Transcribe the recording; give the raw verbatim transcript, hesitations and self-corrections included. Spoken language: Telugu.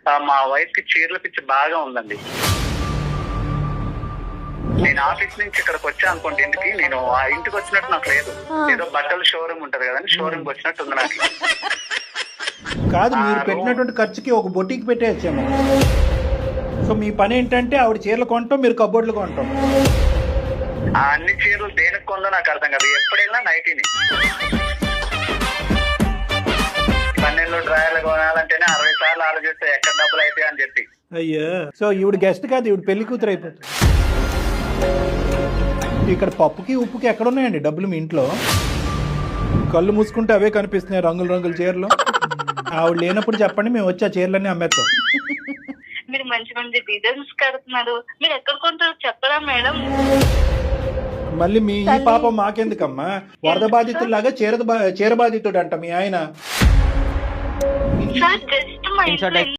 ఆ, మా వైఫ్ కి చీరల పిచ్చి బాగా ఉందండి. నేను ఆఫీస్ నుంచి ఇక్కడికి వచ్చా అనుకోండి ఇంటికి, నేను ఆ ఇంటికి వచ్చినట్టు నాకు లేదు. ఏదో బట్టల షోరూమ్ ఉంటది కదండి, షోరూమ్ కి వచ్చినట్టు ఉంది నాకు. కాదు, మీరు పెట్టినటువంటి ఖర్చుకి ఒక బొటికి పెట్టేయచ్చేమో. సో మీ పని ఏంటంటే ఆవిడ చీరలు కొనటం, మీరు కబోర్డులు కొనటం. ఆ అన్ని చీరలు దేనికి కొందో నాకు అర్థం కాదు. ఎప్పుడైనా నైటీని పన్నెండు డ్రాయర్లు కొనాలంటేనే అరవై సార్లు ఆలోచిస్తే ఎక్కడ డబ్బులు అవుతాయి అని చెప్పి. అయ్యో, సో ఈవిడ గెస్ట్ కాదు, ఈవిడ పెళ్లి కూతురు అయిపోతుంది. ఇక్కడ పప్పుకి ఉప్పుకి ఎక్కడ ఉన్నాయండి డబ్బులు మీ ఇంట్లో? కళ్ళు మూసుకుంటే అవే కనిపిస్తున్నాయి, రంగుల రంగుల చీరలు. ఆవిడ లేనప్పుడు చెప్పండి, మేము వచ్చి ఆ చీరలన్నీ అమ్మేస్తాం. మీరు మంచి మంచి డిజైన్స్ కడుతున్నారు, మీరు ఎక్కడ కొంటారు చెప్పరా మేడం? మళ్ళీ మీ ఈ పాపం మాకెందుకమ్మా? వరద బాధితుల్లాగా చీర చీర బాధితుడు అంట మీ ఆయన. సార్ జస్ట్ మా ఇంట్లో